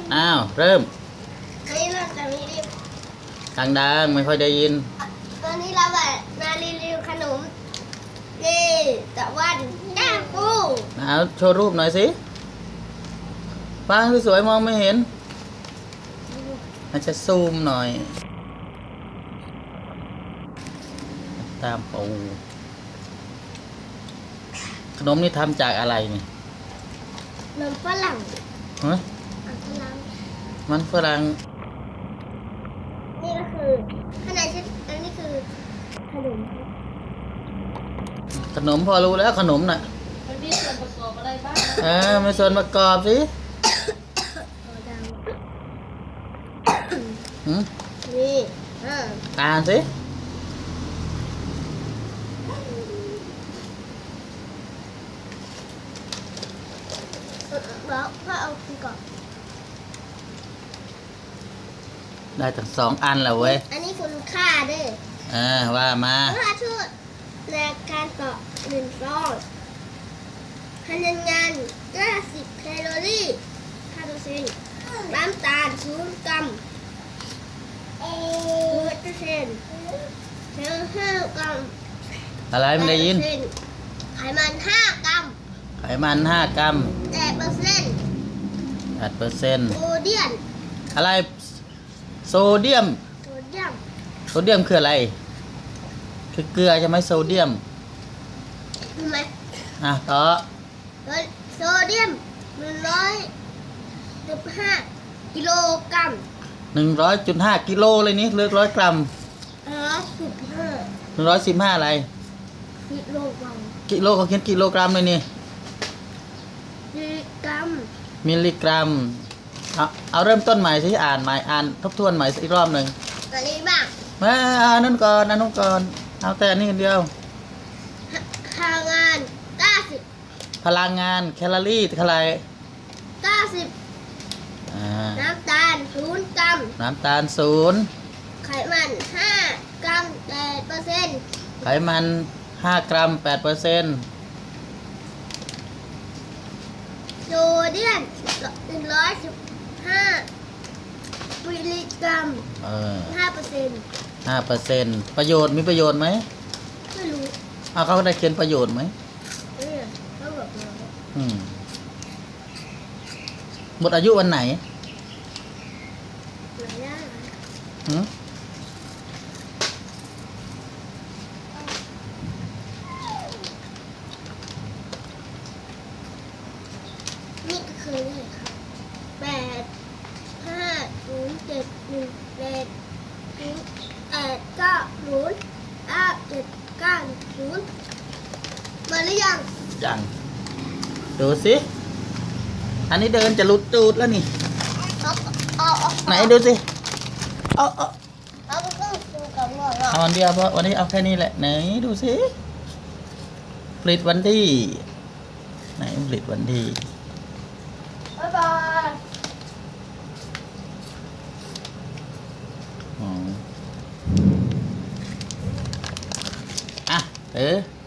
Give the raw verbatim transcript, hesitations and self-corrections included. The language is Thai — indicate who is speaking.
Speaker 1: อ้าวเริ่ม
Speaker 2: อันนี้เราจะมีรีวิว
Speaker 1: ดังๆไม่ค่อยได้ยิน
Speaker 2: ตอนนี้เราแบบมารีวิวขนมนี่ตะวันแก้วปู
Speaker 1: เอาโชว์รูปหน่อยสิป้างสวยๆมองไม่เห็นอาจจะซูมหน่อยตามปูขนมนี่ทำจากอะไรนี่
Speaker 2: นมฝรั่ง
Speaker 1: ฮะมันฝรั่ง
Speaker 2: นี่ก็คือขนาดชิ้นอันนี้คือขนม
Speaker 1: ขนมพอรู้แล้วขนมน่ะ
Speaker 3: มันมีส่วนประกอบอะไรบ้าง
Speaker 1: เออมีส่วนประกอบสิ
Speaker 2: นี่
Speaker 1: อ่านสิ
Speaker 2: แล้วพ่อเอาคุณก่อน
Speaker 1: ได้ทั้งสองอันแล้วเว้ย
Speaker 2: อันนี้คุณค่าด้วย
Speaker 1: เออว่ามา
Speaker 2: ค่าชุดในการต่อหนึ่งซองพลังงานเก้าสิบแคลอรี่ห้าเปอร์เซ็นต์น้ำตาลศูนย์กรัมเอเปอร์เซ็นต์เนื้อห้ากรัม
Speaker 1: อะไรไม่ได้ยิน
Speaker 2: ไขมันห้ากรัม
Speaker 1: ไขมันห้ากรัม
Speaker 2: แปดเปอร์เซ็นต์
Speaker 1: แปดเปอร์เซ็นต์
Speaker 2: โซเดียม
Speaker 1: อะไรโซเดียม
Speaker 2: โซเดียม
Speaker 1: โซเดียมคืออะไรคือเกลือใช่ไหมโซเดียม
Speaker 2: รู้ไหม
Speaker 1: อ่ะต่อ
Speaker 2: โซเดียมหนึ่งร้อยสิบห้ากิโลกรัม
Speaker 1: หนึ่งร้อยจุดห้ากิโลเลยนี่เลือกร้อยกรัม
Speaker 2: ร้อยสิบห้า
Speaker 1: หนึ่งร้อยสิบห้าอะไร
Speaker 2: กิโลกรัม
Speaker 1: กิโลเขาเขียนกิโลกรัมเลยนี่
Speaker 2: มิลลิกรัม
Speaker 1: มิลลิกรัมเอาเอาเริ่มต้นใหม่สิอ่านใหม่อ่านทบทวนใหม่อีกรอบหนึ่ง
Speaker 2: อันนี้บ้าง
Speaker 1: มาอ่านนั่นก่อนนั่นนู่นก่อนเอาแต่นี่เดียว
Speaker 2: พลังงานเก้าสิบ
Speaker 1: พลังงานแคลอรี่เท่าไหร่
Speaker 2: เก้าสิบน้ำตาลศูนย์กรัม
Speaker 1: น้ำตาลศูนย์
Speaker 2: ไขมันห้ากรัมแปดเปอร์เซ็นต์
Speaker 1: ไขมันห้ากรัมแปดเปอร์เซ็นต์
Speaker 2: โซเดียมหนึ่งร้อยสิบห้ามิลลิกรัมห้าเปอร์เซ็นต์
Speaker 1: ห้าเปอร์เซ็นต์ประโยชน์มีประโยชน์ไหม
Speaker 2: ไม่รู้
Speaker 1: เอาเขาได้เขียนประโยชน์ไหม
Speaker 2: เออเขาบอกเรา
Speaker 1: อืมหมดอายุวันไหน
Speaker 2: ไหนได้
Speaker 1: หืม
Speaker 2: นี่ก็คือเลยค่ะแปดห้าศูนย์เจ็ดหนึ่งแปดศูนย์แปดเก้าศูนย์เก้าเจ็ดเก้าศูนย์มาหรือยัง
Speaker 1: ยังดูสิอันนี้เดินจะหลุดตูดแล้วนี่ไหนดูสิเอาเอา
Speaker 2: เอาไปต้องดูกับหัว
Speaker 1: เอาวันเดียวเพราะวันนี้เอาแค่นี้แหละไหนดูสิผลิตวันที่ไหนผลิตวันที่
Speaker 2: บ๊ายบาย
Speaker 1: อ๋ออ่ะเออ